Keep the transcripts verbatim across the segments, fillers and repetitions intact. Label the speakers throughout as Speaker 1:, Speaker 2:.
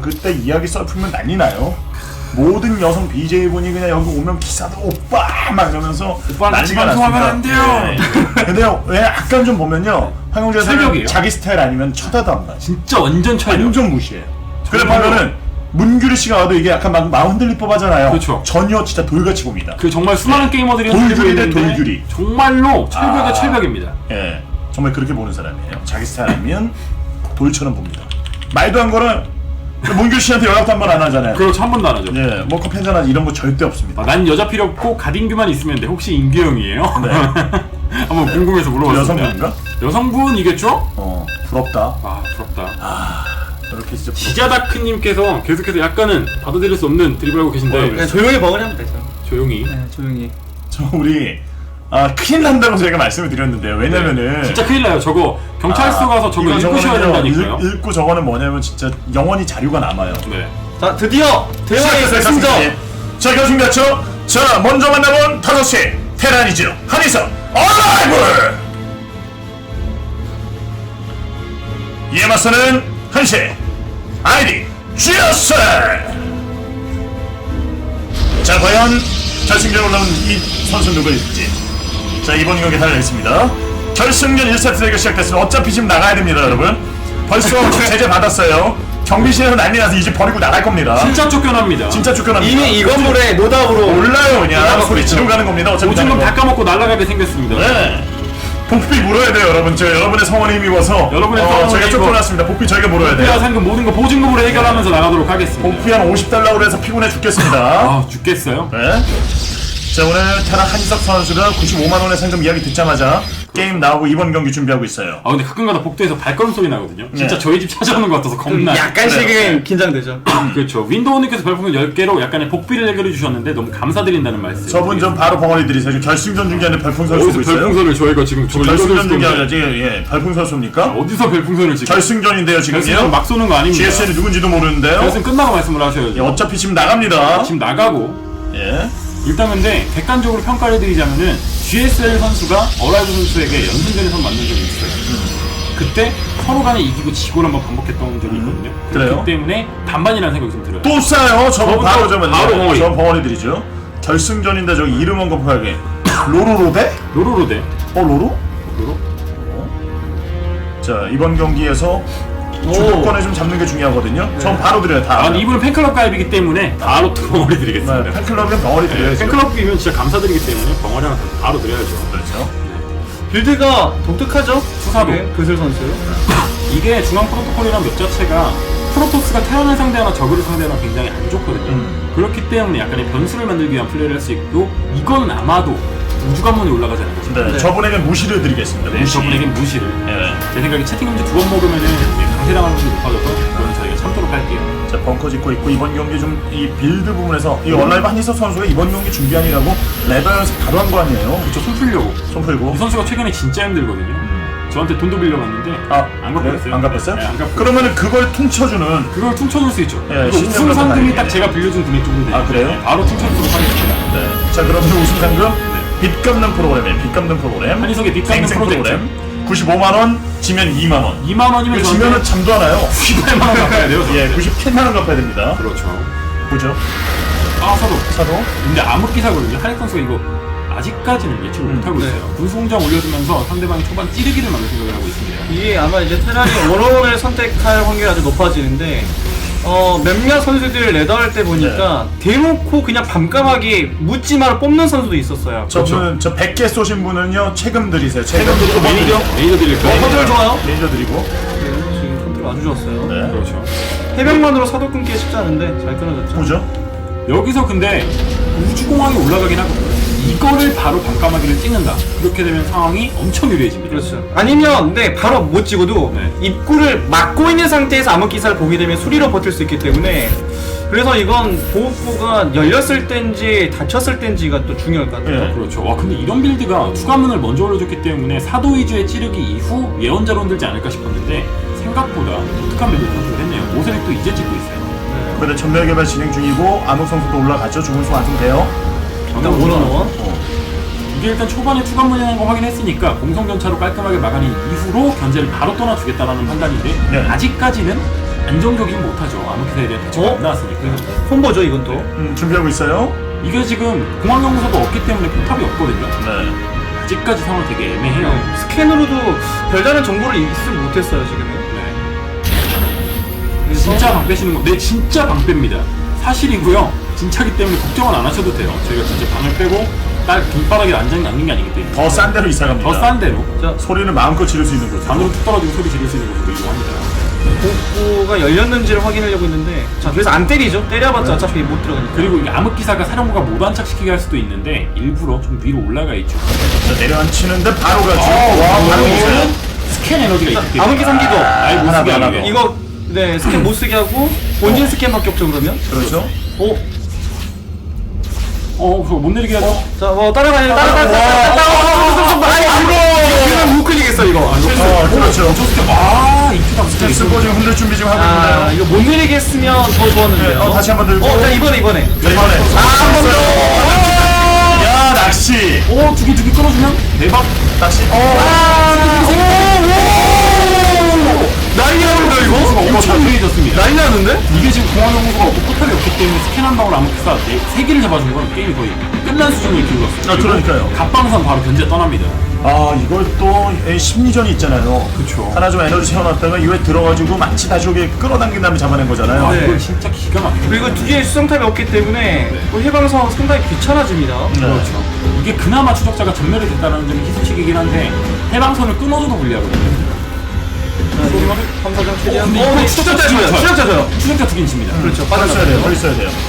Speaker 1: 그때 이야기 썰풀면 난리 나요. 모든 여성 비제이분이 그냥 여기 오면 기사도 오빠 막 이러면서 난리가
Speaker 2: 방송하면 안 돼요.
Speaker 1: 네. 근데요, 왜 약간 좀 보면요, 황영재 사는 자기 스타일 아니면 쳐다도 안 봐.
Speaker 2: 진짜 완전 철벽.
Speaker 1: 완전 무시해요. 그래 보면은 문규리 씨가 와도 이게 약간 막 마음 흔들릴 법하잖아요.
Speaker 2: 그렇죠.
Speaker 1: 전혀 진짜 돌같이 봅니다.
Speaker 2: 그 정말 수많은
Speaker 1: 네.
Speaker 2: 게이머들이
Speaker 1: 돌규리 대 돌규리.
Speaker 2: 정말로 철벽의
Speaker 1: 아.
Speaker 2: 철벽입니다.
Speaker 1: 예, 정말 그렇게 보는 사람이에요. 자기 스타일 아니면 돌처럼 봅니다. 말도 안 거는 문규리 씨한테 연락도 한 번 안 하잖아요.
Speaker 2: 그렇죠, 한 번도 안 하죠.
Speaker 1: 예, 뭐 커피 한잔 하지 이런 거 절대 없습니다.
Speaker 2: 아, 난 여자 필요 없고 가딘규만 있으면 돼. 혹시 임규영이에요?
Speaker 1: 네.
Speaker 2: 한번
Speaker 1: 네.
Speaker 2: 궁금해서 물어봤습니다.
Speaker 1: 여성분인가?
Speaker 2: 여성분이겠죠?
Speaker 1: 어, 부럽다.
Speaker 2: 아, 부럽다.
Speaker 1: 아, 이렇게 진짜 부럽다.
Speaker 2: 지자다크님께서 계속해서 약간은 받아들일 수 없는 드립을 하고 계신데
Speaker 3: 네, 조용히 먹으려면 되죠.
Speaker 2: 조용히.
Speaker 3: 네, 조용히.
Speaker 1: 저 우리 아 큰일 난다고 저희가 말씀을 드렸는데요. 왜냐면은
Speaker 2: 네, 진짜 큰일 나요. 저거 경찰서
Speaker 1: 아,
Speaker 2: 가서 저거
Speaker 1: 이거
Speaker 2: 읽고 쉬어야
Speaker 1: 저거는요,
Speaker 2: 된다니까요.
Speaker 1: 읽, 읽고 저거는 뭐냐면 진짜 영원히 자료가 남아요.
Speaker 2: 네.
Speaker 3: 자, 드디어 대화의
Speaker 1: 시작했습니다.
Speaker 3: 승정.
Speaker 1: 자, 결승됐죠? 자, 먼저 만나본 다섯 시 테란이죠. 한희석 얼라이브. 이에 맞서는 한시 아이디 쥐어스. 자, 과연 결승전 올라온 이 선수 누구일지. 자, 이번 경기 달려있습니다. 결승전 일 세트 대결 시작됐습니다. 어차피 지금 나가야 됩니다, 여러분. 벌써 제재 받았어요. 경비실에서 난리 나서 이제 버리고 나갈 겁니다.
Speaker 2: 진짜 쫓겨납니다.
Speaker 1: 진짜 쫓겨납니다.
Speaker 3: 이미 이 건물에 노답으로
Speaker 1: 몰라요, 그냥 소리 지르고 가는 겁니다. 어차피
Speaker 2: 오징어 다 까먹고 날아가게 생겼습니다.
Speaker 1: 네. 복비 물어야 돼요, 여러분. 저 여러분의 성원에 힘입어서
Speaker 2: 여러분의
Speaker 1: 어,
Speaker 2: 성원에
Speaker 1: 저희가
Speaker 2: 힘입어.
Speaker 1: 쫓겨났습니다. 복비 저희가 물어야
Speaker 2: 복비와
Speaker 1: 돼요.
Speaker 2: 상금 모든 거 보증금으로 해결하면서 나가도록 하겠습니다.
Speaker 1: 복비 한 오십 달러로 해서 피곤해 죽겠습니다.
Speaker 2: 아, 죽겠어요.
Speaker 1: 네. 자, 오늘 테란 한희석 선수가 구십오만 원의 상금 이야기 듣자마자 게임 나오고 이번 경기 준비하고 있어요.
Speaker 2: 아, 근데 가끔가다 복도에서 발걸음 소리 나거든요. 진짜
Speaker 1: 네.
Speaker 2: 저희 집 찾아오는 것 같아서 겁나.
Speaker 3: 약간씩은
Speaker 1: 그래요.
Speaker 3: 긴장되죠.
Speaker 2: 그렇죠. 윈도우님께서 별풍선 열 개로 약간의 복비를 해결해 주셨는데 너무 감사드린다는 말씀.
Speaker 1: 저분 좀 바로 벙어리 드리세요. 지금 결승전 중계하는데 별풍선
Speaker 2: 어디서
Speaker 1: 쏘고 있어요.
Speaker 2: 별풍선을 저희가 지금 저걸
Speaker 1: 결승전
Speaker 2: 읽어줄
Speaker 1: 중계
Speaker 2: 건데.
Speaker 1: 아니라 지금 예, 별풍선 쏩니까?
Speaker 2: 어디서 별풍선을 지금?
Speaker 1: 결승전인데요,
Speaker 2: 결승전
Speaker 1: 지금요.
Speaker 2: 막 쏘는 거 아닙니다.
Speaker 1: 지에스엘이 누군지도 모르는데요.
Speaker 2: 결승 끝나고 말씀을 하셔야죠.
Speaker 1: 예, 어차피 지금 나갑니다.
Speaker 2: 지금 나가고
Speaker 1: 예.
Speaker 2: 일단 근데 객관적으로 평가를 해드리자면은 지에스엘 선수가 어라이브 선수에게 연승전에서 만난 적이 있어요. 그때 서로 간에 이기고 지고를 한번 반복했던 적이 있거든요.
Speaker 1: 그래요?
Speaker 2: 그렇기 때문에 반반이라는 생각이 좀 들어요.
Speaker 1: 또 싸요. 저거
Speaker 2: 저분도
Speaker 1: 바로 저면
Speaker 2: 바로 벙어리.
Speaker 1: 저 벙어리 드리죠. 결승전인데 저기 이름은 급하게 로로로대?
Speaker 2: 로로로대.
Speaker 1: 어 로로?
Speaker 2: 로로?
Speaker 1: 자, 이번 경기에서 주도권을 좀 잡는 게 중요하거든요. 전 바로 드려요. 다.
Speaker 2: 아, 근데 이분은 팬클럽 가입이기 때문에 바로 또 벙어리 드리겠습니다.
Speaker 1: 네, 팬클럽은 벙어리
Speaker 2: 네,
Speaker 1: 드려야죠.
Speaker 2: 팬클럽이면 진짜 감사드리기 때문에 벙어리 하나 바로 드려야죠.
Speaker 1: 그렇죠.
Speaker 3: 빌드가 독특하죠?
Speaker 2: 수사도.
Speaker 3: 네, 그슬 선수.
Speaker 2: 이게 중앙 프로토콜이란 맵 자체가 프로토스가 테란을 상대하나 저그를 상대하나 굉장히 안 좋거든요.
Speaker 1: 음.
Speaker 2: 그렇기 때문에 약간의 변수를 만들기 위한 플레이를 할 수 있고 이건 아마도 우주관문이 올라가지 않을까 싶어요.
Speaker 1: 네,
Speaker 3: 네.
Speaker 1: 저분에겐 무시를 드리겠습니다.
Speaker 2: 네,
Speaker 1: 무시.
Speaker 2: 저분에겐 무시를.
Speaker 1: 예.
Speaker 2: 제 생각에 채팅 금지 두 번 먹으면은 강제당하는 확률이 높아져서 그거는 저희가 참도록 할게요.
Speaker 1: 자, 벙커 짓고 있고 이번 경기 좀 이 빌드 부분에서 이 얼라이브 한희석 선수가 이번 경기 준비하느라고 레벨 연습 바로 한 거 아니에요?
Speaker 2: 그쵸, 손 풀려고.
Speaker 1: 손 풀고.
Speaker 2: 이 선수가 최근에 진짜 힘들거든요. 저한테 돈도 빌려갔는데
Speaker 1: 아,
Speaker 2: 안 갚았어요.
Speaker 1: 안 갚았어요?
Speaker 2: 네, 안 갚았어요.
Speaker 1: 그러면은 그걸 퉁쳐주는.
Speaker 2: 그걸 퉁쳐줄 수 있죠.
Speaker 1: 예,
Speaker 2: 이거
Speaker 1: 시스템
Speaker 2: 우승
Speaker 1: 같은
Speaker 2: 상금이
Speaker 1: 다행이네.
Speaker 2: 딱 제가 빌려준 금액 정도 되니까
Speaker 1: 아, 그래요?
Speaker 2: 바로 퉁쳐주도록 하겠습니다.
Speaker 1: 네. 자, 그러면 우승 상금 빚 갚는 프로그램이에요. 빚 갚는 프로그램.
Speaker 2: 한희석의 빚 갚는
Speaker 1: 갱생
Speaker 2: 프로젝트.
Speaker 1: 구십오만 원, 지면 이만 원.
Speaker 2: 이만 원이면
Speaker 1: 그 지면은 잠도 안 와요.
Speaker 2: 구십팔만 원 갚아야 돼요.
Speaker 1: 예, 구십팔만 원 갚아야 됩니다.
Speaker 2: 그렇죠.
Speaker 1: 보죠.
Speaker 2: 아, 사도.
Speaker 1: 사도.
Speaker 2: 근데 암흑기사거든요. 한익 선수가 이거 아직까지는 예측을
Speaker 1: 음,
Speaker 2: 못하고
Speaker 3: 네.
Speaker 2: 있어요. 군수공장 올려주면서 상대방이 초반 찌르기를 만들 생각을 하고 있습니다.
Speaker 3: 이게 아마 이제 테란이 원원을 선택할 확률이 아주 높아지는데 어 몇몇 선수들 레더할 때 보니까 대놓고 그냥 밤까마귀 묻지마를 뽑는 선수도 있었어요.
Speaker 1: 저분은 저 백 개 쏘신 분은요 책임 드리세요. 책임
Speaker 2: 또
Speaker 1: 드리고
Speaker 2: 메이저? 메이저 드릴 거예요.
Speaker 3: 컨트롤 좋아요.
Speaker 1: 레이저 드리고.
Speaker 3: 네, 지금 컨트롤 아주 좋았어요.
Speaker 1: 네.
Speaker 2: 그렇죠.
Speaker 3: 해병만으로 사도 끊기 쉽지 않은데 잘 끊어졌죠.
Speaker 1: 보죠.
Speaker 2: 여기서 근데 우주공항이 올라가긴 하거든요. 이거를 바로 밤까마귀를 찍는다. 이렇게 되면 상황이 엄청 유리해집니다.
Speaker 3: 그렇죠. 아니면 네 바로 못 찍어도
Speaker 2: 네.
Speaker 3: 입구를 막고 있는 상태에서 암흑기사를 보게 되면 수리로 버틸 수 있기 때문에 그래서 이건 보호구가 열렸을 땐지 닫혔을 땐지가 또 중요할 것 같아요.
Speaker 1: 네.
Speaker 2: 그렇죠. 와, 근데 이런 빌드가 투가문을 먼저 올려줬기 때문에 사도 위주의 찌르기 이후 예언자로 흔들지 않을까 싶었는데 생각보다 독특한 빌드를 선택을 했네요. 모세릭도 이제 찍고 있어요.
Speaker 1: 근데 전멸 개발 진행 중이고 암흑 선수도 올라갔죠. 중훈수 완성돼요.
Speaker 3: 일단 원원원.
Speaker 2: 이게 일단 초반에 투관문이라는 거 확인했으니까 공성전차로 깔끔하게 막아낸 이후로 견제를 바로 떠나주겠다라는 판단인데
Speaker 1: 네.
Speaker 2: 아직까지는 안정적이긴 못하죠. 아무기사에 대한 대처가
Speaker 3: 어?
Speaker 2: 안 나왔으니까.
Speaker 3: 콤보죠 이건 또.
Speaker 1: 음, 준비하고 있어요.
Speaker 2: 이게 지금 공항연구소가 없기 때문에 포탑이 없거든요.
Speaker 1: 네.
Speaker 2: 아직까지 상황 되게 애매해요.
Speaker 3: 네. 스캔으로도 별다른 정보를 입수 못했어요 지금은.
Speaker 2: 네. 진짜 방 빼시는 거, 네 진짜 방 뺍니다. 사실이고요. 진짜기 때문에 걱정은 안 하셔도 돼요. 저희가 진짜 방을 빼고 딸 길바닥에 앉는 앉는 게 아니기 때문에.
Speaker 1: 더 싼 데로 이사 갑니다.
Speaker 2: 더 싼 데로
Speaker 3: 자,
Speaker 1: 소리는 마음껏 지를 수 있는 곳.
Speaker 2: 방으로 툭 떨어지고 소리 지를 수 있는 곳으로 이동합니다.
Speaker 3: 복구가 열렸는지를 확인하려고 했는데, 자 그래서 안 때리죠. 때려봤자 어차피 못 들어가니까.
Speaker 2: 그리고 이게 암흑기사가 사령부가 못 안착시키게 할 수도 있는데 일부러 좀 위로 올라가 있죠.
Speaker 1: 자, 내려앉히는데 바로 가죠.
Speaker 2: 어,
Speaker 1: 와, 바로
Speaker 2: 이거는
Speaker 1: 오세요.
Speaker 2: 스캔 에너지가 있기 때문에
Speaker 3: 암흑기 삼기도
Speaker 2: 아예 못 쓰게
Speaker 1: 하나,
Speaker 2: 하기
Speaker 1: 하나,
Speaker 2: 위해.
Speaker 3: 이거 네 스캔 못 쓰게 하고 본진 스캔밖에 없죠 그러면.
Speaker 1: 그렇죠.
Speaker 3: 오,
Speaker 2: 어, 그거 못 내리게 하죠.
Speaker 3: 자 뭐 따라가요 따라가 따라가. 아니 이거 우클릭했어 이거.
Speaker 1: 어, 그렇죠.
Speaker 2: 아, 이투당 스캔
Speaker 1: 쓰고 지금 흔들 준비 지금 하고
Speaker 3: 아
Speaker 1: 있는데요.
Speaker 3: 이거 못 내리게 했으면 더 좋았는데요.
Speaker 1: 네, 어, 다시 한번 들고.
Speaker 3: 어, 자 이번에 이번에.
Speaker 1: 자, 이번에.
Speaker 3: 한 번 더.
Speaker 1: 야, 낚시.
Speaker 2: 오, 두개 두 개 끊어주면 대박.
Speaker 1: 낚시.
Speaker 3: 난리 나는데 이거?
Speaker 2: 엄청 유리해졌습니다.
Speaker 3: 난리 나는데?
Speaker 2: 이게 지금 공항연구소가 없고 포탑이 없기 때문에 스캔 한 방울 암흑기사 세 개를 잡아준 건 게임이 거의 끝난 수준을 기울었어요.
Speaker 1: 아, 그러니까요.
Speaker 2: 갑방선 바로 견제 떠납니다.
Speaker 1: 아, 이걸 또 에, 심리전이 있잖아요.
Speaker 2: 그쵸.
Speaker 1: 하나 좀 에너지 세워놨다가 이후에 들어가지고 마치 다시 오게 끌어당긴 다음에 잡아낸 거잖아요.
Speaker 2: 아,
Speaker 3: 네.
Speaker 2: 이건 진짜 기가 막히죠.
Speaker 3: 그리고 뒤에 수정탑이 없기 때문에 또 해방선 상당히 귀찮아집니다.
Speaker 1: 네.
Speaker 2: 그렇죠. 이게 그나마 추적자가 전멸이 됐다는 점이 희소식이긴 한데 해방선을 끊어줘도 불리하거든요.
Speaker 3: 함사장 최대한.
Speaker 2: 근데
Speaker 3: 어,
Speaker 2: 이거
Speaker 3: 네, 추적자 줘요. 추적자 줘요.
Speaker 2: 추적자 두 개입니다.
Speaker 3: 그렇죠.
Speaker 1: 빨리 써야 돼요. 빨리 써야 돼요.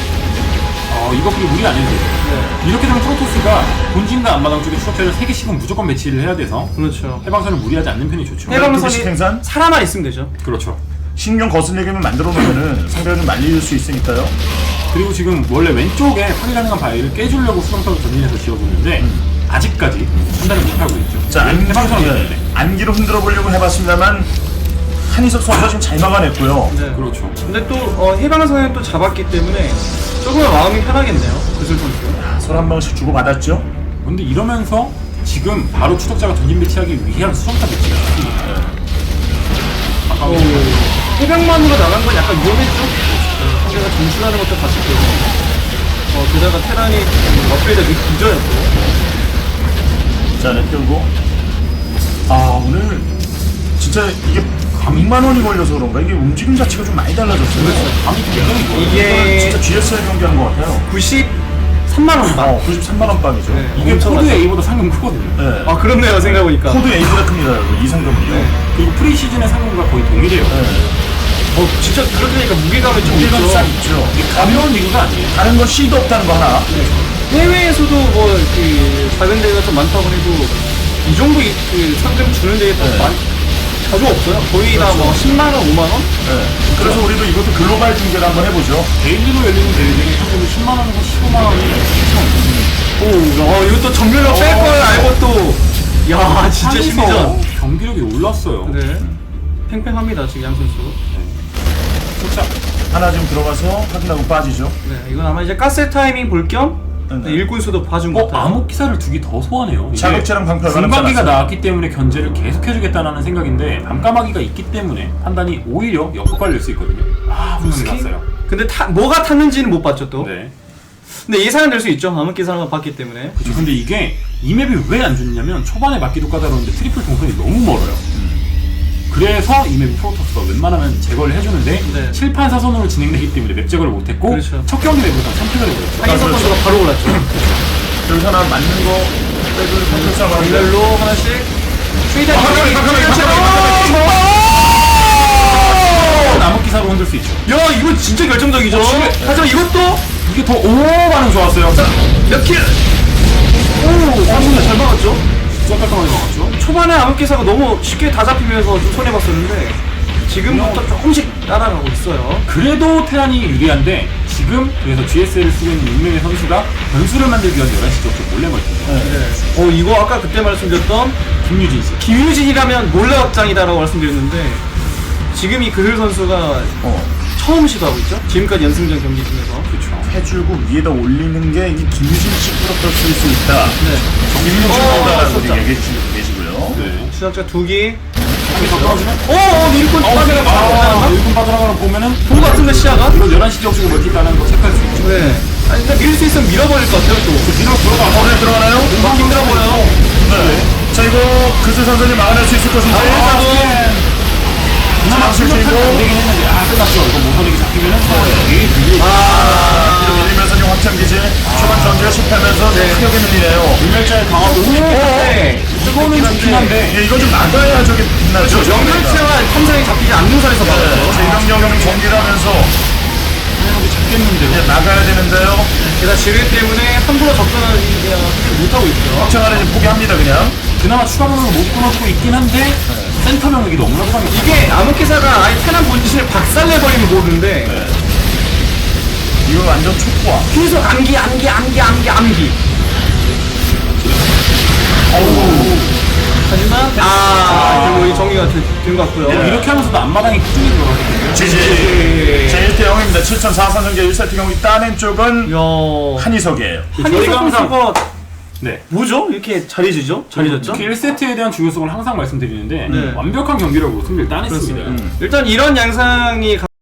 Speaker 2: 어, 이거 그리고 무리 안 해도 돼요.
Speaker 3: 네.
Speaker 2: 이렇게 되면 프로토스가 본진과 앞마당 쪽에 추적자를 세 개씩은 무조건 배치를 해야 돼서
Speaker 3: 그렇죠.
Speaker 2: 해방선을 무리하지 않는 편이 좋죠.
Speaker 1: 해방-
Speaker 3: 해방선이
Speaker 1: 두개씩 생산?
Speaker 3: 사람만 있으면 되죠.
Speaker 2: 그렇죠.
Speaker 1: 신경 거슬리게만 만들어 놓으면은 상대가 좀 말릴 수 있으니까요.
Speaker 2: 그리고 지금 원래 왼쪽에 파괴 가능한 바위를 깨주려고 수정탑을 전진해서 지어줬는데 아직까지 판단을 못하고 있죠.
Speaker 1: 자, 안,
Speaker 2: 해방선이
Speaker 1: 예,
Speaker 2: 있는데.
Speaker 1: 안기로 흔들어 보려고 해봤습니다만 한희석 선수가 지금 잘 막아냈고요.
Speaker 3: 네.
Speaker 2: 그렇죠.
Speaker 3: 근데 또 어, 해방선을 또 잡았기 때문에 조금은 마음이 편하겠네요. 그슬 선수.
Speaker 1: 서로 한 방씩 주고 받았죠.
Speaker 2: 근데 이러면서 지금 바로 추적자가 전진 배치하기 위한 수정탑 배치가 나왔습니다.
Speaker 3: 오, 해병만으로 나간 건 약간 위험했죠? 어, 상대가 정신하는 것도 봤기 때문에. 어, 게다가 테란이 업그레이드가 늦어였고.
Speaker 1: 자, 네, 끌고. 아, 오늘 진짜 이게 백만 원이 걸려서 그런가? 이게 움직임 자체가 좀 많이 달라졌어요.
Speaker 2: 감이 굉장히 좋아요.
Speaker 3: 이게
Speaker 1: 진짜 지에스엘 경기하는 것 같아요.
Speaker 3: 구십삼만 원 방.
Speaker 1: 어, 구십삼만 원 빵이죠.
Speaker 3: 네.
Speaker 2: 이게
Speaker 3: 엄청
Speaker 2: 코드
Speaker 3: 많죠.
Speaker 2: A보다 상금 크거든요.
Speaker 1: 네.
Speaker 3: 아, 그렇네요, 생각해보니까.
Speaker 1: 코드 A보다 큽니다, 여러분. 이 상금은요.
Speaker 3: 네.
Speaker 2: 그리고 프리시즌의 상금과 거의 동일해요.
Speaker 1: 네.
Speaker 3: 어, 진짜 그렇게 되니까 무게감이 좀
Speaker 1: 무게감
Speaker 3: 있죠.
Speaker 1: 싹 있죠.
Speaker 2: 이게 가벼운 리그가 아니에요.
Speaker 1: 다른 건 C도 없다는 거 하나.
Speaker 3: 해외에서도 뭐, 그, 작은 데가 좀 많다고 해도, 이 정도 이- 그 상금 주는 데가
Speaker 1: 네.
Speaker 3: 많, 자주 없어요. 거의 다 뭐, 십만 원, 오만 원?
Speaker 1: 네. 그래서 우리도 이것도 글로벌 중계를 한번 해보죠.
Speaker 2: 데일리로 열리는 대회들이 상금이 십만 원에서 십오만 원이
Speaker 3: 오, 어, 이것도 정면으로 뺄 걸 알고 또, 야, 진짜 심리전.
Speaker 2: 경기력이 올랐어요.
Speaker 3: 네. 팽팽합니다, 지금 양 선수.
Speaker 2: 진짜
Speaker 1: 하나 지금 들어가서 확인하고 빠지죠.
Speaker 3: 네, 이건 아마 이제 가스 타이밍 볼 겸,
Speaker 1: 네.
Speaker 3: 일꾼 수도 봐준 것
Speaker 2: 어,
Speaker 3: 같아요.
Speaker 2: 암흑 기사를 두 개 더 소환해요. 이게
Speaker 1: 자극제랑 방패가
Speaker 2: 중반기가
Speaker 1: 남지
Speaker 2: 나왔기 때문에 견제를 계속 해주겠다는 생각인데 밤까마귀가 있기 때문에 판단이 오히려 역효과를 낼 수 있거든요. 아, 분명히 났어요.
Speaker 3: 근데 타, 뭐가 탔는지는 못 봤죠, 또.
Speaker 2: 네.
Speaker 3: 근데 예상은 될 수 있죠. 암흑기사를 봤기 때문에.
Speaker 2: 그죠. 근데 이게 이 맵이 왜 안 좋냐면 초반에 맞기도 까다로운데 트리플 동선이 너무 멀어요. 그래서 이 맵이 프로토스가 웬만하면 제거를 해주는데
Speaker 3: 네.
Speaker 2: 칠판 사선으로 진행되기 때문에 맵 제거를 못했고
Speaker 3: 그렇죠.
Speaker 2: 첫 경기 맵보다 선택을 해버렸죠.
Speaker 3: 한인석
Speaker 1: 그렇죠.
Speaker 3: 선수가 바로 올랐죠.
Speaker 1: 여기서 하나 맞는 거 빼고 컨트롤 싸움하는데
Speaker 3: 일렬로 하나씩. 최대한
Speaker 1: 잠깐만, 잠깐만,
Speaker 2: 암흑 기사로 흔들 수 있죠.
Speaker 3: 야, 이거 진짜 결정적이죠.
Speaker 2: 어, 진짜.
Speaker 3: 하지만 이것도
Speaker 2: 이게 더 오 반응 좋았어요.
Speaker 3: 몇 킬? 오, 삼분에 잘 막았죠.
Speaker 2: 진짜 깔끔하게 나왔죠.
Speaker 3: 초반에 암흑기사가 너무 쉽게 다 잡히면서 좀 손해봤었는데 지금부터 조금씩 따라가고 있어요.
Speaker 2: 그래도 테란이 유리한데 지금 그래서 지에스엘을 쓰고 있는 육명의 선수가 변수를 만들기 위한 열한 시 쪽쪽 몰래 멀티죠.
Speaker 3: 네. 어, 이거 아까 그때 말씀드렸던
Speaker 2: 김유진 씨.
Speaker 3: 김유진이라면 몰래 확장이다라고 말씀드렸는데 지금 이 그들 선수가
Speaker 1: 어,
Speaker 3: 처음 시도하고 있죠. 지금까지 연승전 경기 중에서.
Speaker 2: 그렇죠.
Speaker 1: 해줄고 위에다 올리는 게 이 김유진 씨 프로토스일 수 있다.
Speaker 3: 네.
Speaker 1: 김유진
Speaker 3: 어,
Speaker 1: 보다라고
Speaker 3: 진짜.
Speaker 1: 얘기해 주시고 계시고요.
Speaker 2: 네.
Speaker 3: 시작자 두 개.
Speaker 2: 더 떨어지면
Speaker 3: 어, 어, 일꾼
Speaker 2: 아,
Speaker 3: 빠져나가.
Speaker 2: 일군 빠져나가는 거 보면은
Speaker 3: 본 것 같은데 시야가?
Speaker 2: 이건 열한 시 지역 쪽으로 멀티가는 거 체크할 수 있죠.
Speaker 3: 네. 아니, 근데 밀 수 있으면 밀어버릴 것 같아요, 또.
Speaker 2: 뒤로 들어가.
Speaker 1: 어, 네, 들어가나요?
Speaker 3: 막 힘들어 보여요.
Speaker 1: 네. 자, 이거 그스 선수님 막아낼 수 있을 것인데.
Speaker 2: 그나마
Speaker 1: 장실
Speaker 2: 실력이
Speaker 1: 주인공.
Speaker 2: 안 되긴 했는데 아 끝났어. 이거 모서리기 잡히면은 여기 밀려.
Speaker 3: 아,
Speaker 1: 뒤로 밀리면서 지금 확장기지. 초반 전투가 실패하면서 크게 밀리네요.
Speaker 2: 불멸자의 강화도
Speaker 3: 네.
Speaker 2: 뜨거우는 좋긴 한데
Speaker 1: 예, 이거 좀 막아야 저게 빛나죠.
Speaker 3: 연결체와 탐정이 잡히지 않는 선에서 막았어요.
Speaker 1: 제 이런 경우는 정리를 하면서
Speaker 2: 여기 잡겠는데요.
Speaker 1: 예, 나가야 되는데요.
Speaker 3: 게다가 지뢰 때문에 함부로 접근을 못하고 있죠.
Speaker 1: 확장하는 지금 포기합니다, 그냥.
Speaker 2: 그나마 추가 병력을 못 끊어주고 있긴 한데 센터 병력이 너무나 강해.
Speaker 3: 이게 암흑기사가 아예 테란 본진을 박살내버리면 모르는데
Speaker 1: 이거 완전 촉구와.
Speaker 3: 계속 암기 암기 암기 암기 암기 하지만 아 결국 이 정리가 된 것 같고요.
Speaker 1: 예.
Speaker 2: 이렇게 하면서도 앞마당이 꾸준히 들어가거든요.
Speaker 1: 지지.
Speaker 3: 예.
Speaker 1: 제 일 대 영입니다. 칠천사백삼 전개 일 세트 경우 따낸 쪽은
Speaker 3: 야
Speaker 1: 한희석이에요.
Speaker 3: 한희석
Speaker 2: 저희가 항상-
Speaker 3: 선수가
Speaker 2: 네.
Speaker 3: 뭐죠? 이렇게 자리지죠? 자리졌죠?
Speaker 2: 특히 일 세트에 대한 중요성을 항상 말씀드리는데
Speaker 3: 네.
Speaker 2: 완벽한 경기력으로 승리를 따냈습니다.
Speaker 3: 일단 이런 양상이